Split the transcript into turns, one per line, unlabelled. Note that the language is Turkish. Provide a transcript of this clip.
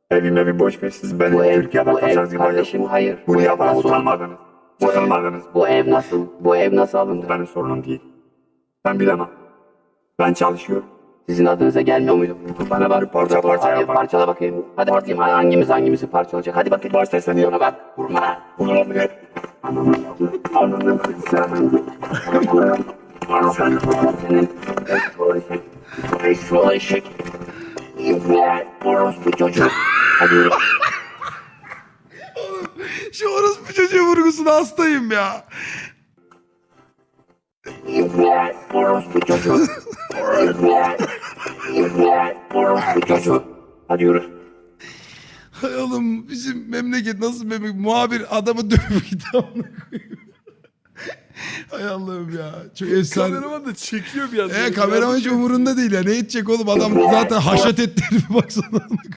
Evime bir boş ver, siz beni
Bu ev,
Türkiye'de
bu ev
kaçacağız gibi
kardeşim hayır. Bu
Buraya
ev
bana
nasıl?
utanmadınız. Utanmadınız.
Bu ev nasıl? Bu ev nasıl alındı?
Benim sorunum değil. Ben bilemem. Ben çalışıyorum.
Sizin adınıza gelmiyor muydu? Bana bak.
Parça parça
Hadi
yapar.
parçala bakayım. Hadi bakayım hangimizi parçalayacak. Hadi bakayım.
Başta seni
Buna bak. Vurma.
Olabilir. Anladım.
Senin eşşoğlu eşek. İbne. Orospu çocuk. Hadi yürü.
Şu orospu çocuğu vurgusuna hastayım ya.
İbne. Orospu çocuk. İbne. İbne. Orospu çocuk. Hadi yürü.
Hay oğlum bizim memleket nasıl memleket? Muhabir adamı dövüp gidiyor. Hay Allah'ım ya. Çok efsane.
Kameraman da çekiyor bir yandan.
Kameraman hiç umurunda değil ya. Ne edecek oğlum? Adam zaten haşat etti herifi baksana.